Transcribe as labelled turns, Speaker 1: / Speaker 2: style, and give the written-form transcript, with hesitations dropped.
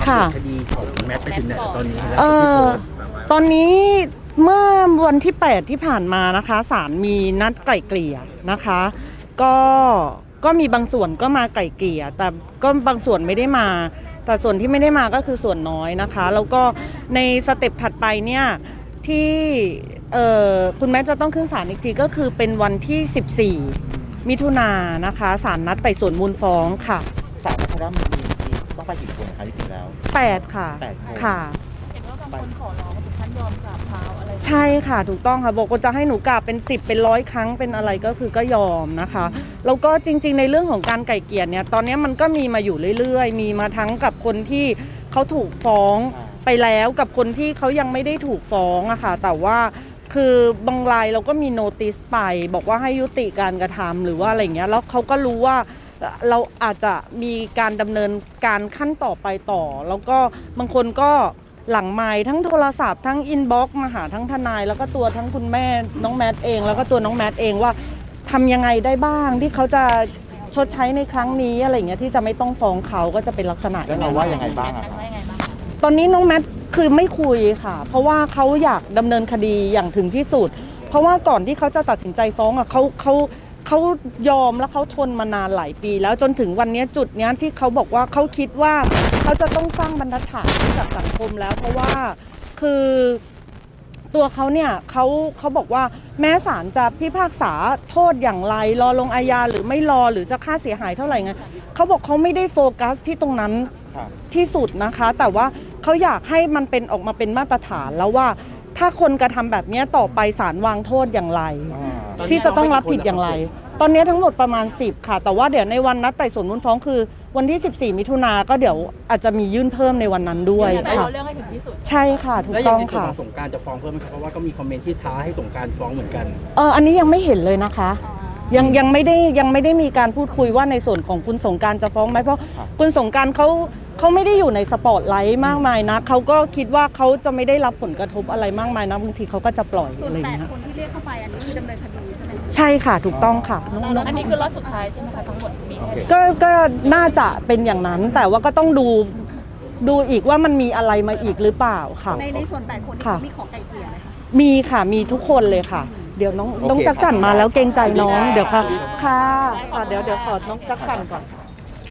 Speaker 1: ค่ะ
Speaker 2: คดีของแมทไปถึงไหนตอนนี้แล้ว
Speaker 1: ตอนนี้เมื่อวันที่8ที่ผ่านมานะคะศาลมีนัดไกล่เกลี่ยนะคะก็มีบางส่วนก็มาไกล่เกลี่ยแต่ก็บางส่วนไม่ได้มาแต่ส่วนที่ไม่ได้มาก็คือส่วนน้อยนะคะแล้วก็ในสเต็ปถัดไปเนี่ยที่คุณแม่จะต้องขึ้นศาลอีกทีก็คือเป็นวันที่14มิถุนายนนะคะศาลนัดไต่สวนมูลฟ้องค่ะ
Speaker 3: ศาลนัดว่ามีต้องไปกี่คนคะจริงๆแล้ว
Speaker 1: 8ค่ะค่ะ
Speaker 4: เห็นว่าบางคนขอร้องถึงขั้นยอมกราบเท้าอะไร
Speaker 1: ใช่ค่ะถูกต้องค่ะบอกว่าจะให้หนูกราบเป็น10เป็น100ครั้งเป็นอะไรก็คือก็ยอมนะคะแล้วก็จริงๆในเรื่องของการไก่เกลี่ยเนี่ยตอนนี้มันก็มีมาอยู่เรื่อยๆมีมาทั้งกับคนที่เขาถูกฟ้องไปแล้วกับคนที่เขายังไม่ได้ถูกฟ้องอะค่ะแต่ว่าคือบางรายเราก็มีโนติสไปบอกว่าให้ยุติการกระทำหรือว่าอะไรเงี้ยแล้วเขาก็รู้ว่าเราอาจจะมีการดำเนินการขั้นต่อไปต่อแล้วก็บางคนก็หลังไมค์ทั้งโทรศัพท์ทั้งอินบ็อกซ์มาหาทั้งทนายแล้วก็ตัวทั้งคุณแม่น้องแมทเองแล้วก็ตัวน้องแมทเองว่าทำยังไงได้บ้างที่เขาจะชดใช้ในครั้งนี้อะไรเงี้ยที่จะไม่ต้องฟ้องเขาก็จะเป็นลักษณะ
Speaker 3: แล้วเราว่ายังไงบ้างอะ
Speaker 1: ตอนนี้น้องแมทคือไม่คุยค่ะเพราะว่าเขาอยากดำเนินคดีอย่างถึงที่สุดเพราะว่าก่อนที่เขาจะตัดสินใจฟ้องอ่ะเขายอมแล้วเขาทนมานานหลายปีแล้วจนถึงวันนี้จุดนี้ที่เขาบอกว่าเขาคิดว่าเขาจะต้องสร้างบรรทัดฐานให้กับสังคมแล้วเพราะว่าคือตัวเขาเนี่ยเขาบอกว่าแม้ศาลจะพิพากษาโทษอย่างไรรอลงอาญาหรือไม่รอหรือจะค่าเสียหายเท่าไหร่ไงเขาบอกเขาไม่ได้โฟกัสที่ตรงนั้นที่สุดนะคะแต่ว่าเขาอยากให้มันเป็นออกมาเป็นมาตรฐานแล้วว่าถ้าคนกระทำแบบนี้ต่อไปศาลวางโทษอย่างไรที่จะต้องรับผิดอย่างไรตอนนี้ทั้งหมดประมาณ10ค่ะแต่ว่าเดี๋ยวในวันนัดไต่สวนมูลฟ้องคือวันที่14มิถุนาก็เดี๋ยวอาจจะมียื่นเพิ่มในวันนั้นด้วยค่ะ
Speaker 4: เรื่องให้ถึงที่สุด
Speaker 1: ใช่ค่ะถูกต้องค่ะ
Speaker 2: แล้วอย่างในส่วนของสงกรานต์จะฟ้องเพิ่มไหมครับเพราะว่าก็มีคอมเมนต์ที่ท้าให้สงกรานต์ฟ้องเหมือนกัน
Speaker 1: อันนี้ยังไม่เห็นเลยนะคะยังไม่ได้มีการพูดคุยว่าในส่วนของคุณสงกรานต์จะฟ้องไหมเพราะคุณสงกรานต์เขาไม่ได้อยู่ในสปอตไลท์มากมายนะเขาก็คิดว่าเขาจะไม่ได้รับผลกระทบอะไรมากมายนะบางทีเขาก็จะปล่อยอะไรอย่างเงี้ย
Speaker 4: คนที่เรียกเข้าไปอันนี้คือดำเนินคดีใช่ไหม
Speaker 1: ใช่ค่ะถูกต้องค่ะ
Speaker 4: อันนี้คือรอบสุดท้ายใช่ไหมคะทั้งหมดมี
Speaker 1: ก็น่าจะเป็นอย่างนั้นแต่ว่าก็ต้องดูอีกว่ามันมีอะไรมาอีกหรือเปล่าค่ะ
Speaker 4: ในส่วน8คนที่มีขอไก่เกลี่ยไหมคะ
Speaker 1: มีค่ะมีทุกคนเลยค่ะเดี๋ยวน้องจักรจั่นมาแล้วเกรงใจน้องเดี๋ยวค่ะเดี๋ยวขอน้องจักรจั่นก่อน